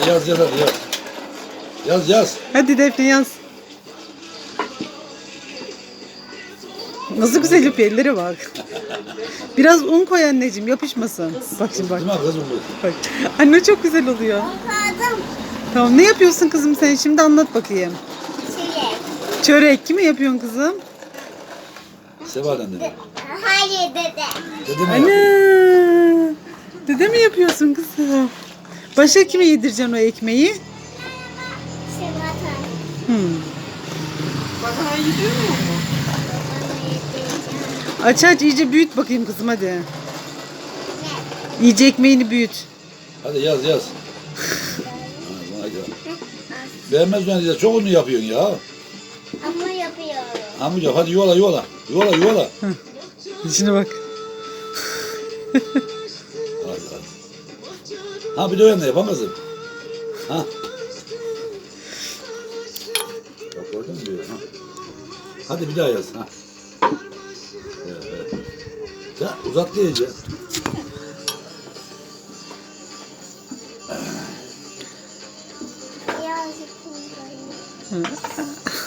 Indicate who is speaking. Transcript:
Speaker 1: yaz hadi yaz. Yaz.
Speaker 2: Hadi Defne yaz. Nasıl güzel yapıyor, ellere bak. Biraz un koy anneciğim, yapışmasın. Bak şimdi bak.
Speaker 1: Değil mi kızım bu?
Speaker 2: Bak. Anne çok güzel oluyor.
Speaker 3: Bakalım.
Speaker 2: Tamam, ne yapıyorsun kızım sen şimdi, anlat bakayım.
Speaker 3: Çilek.
Speaker 2: Çörek mi yapıyorsun kızım?
Speaker 1: Seval'den dedi.
Speaker 3: Hayır dede.
Speaker 1: Dedi mi?
Speaker 2: Anne. Dede mi yapıyorsun kızım? Başka kime yedireceksin o ekmeği?
Speaker 3: Sevatan.
Speaker 4: Bana gidiyor mu?
Speaker 2: Aç iyice büyüt bakayım kızım hadi.
Speaker 3: Ne?
Speaker 2: İyice ekmeğini büyüt.
Speaker 1: Hadi yaz. Ha, hadi. Beğenmez mi diyeceğiz? Çok ünlü yapıyorsun ya.
Speaker 3: Ama yapıyorum.
Speaker 1: Amca hadi yola. Yola.
Speaker 2: Şimdi bak.
Speaker 1: Hadi. Ha bir de öyle yapamazsın. Ha. Bak gördün mü diyor. Ha. Hadi bir daha yaz. Ha. Evet. Ya uzat diyeceğiz.
Speaker 3: Birazcık koyayım.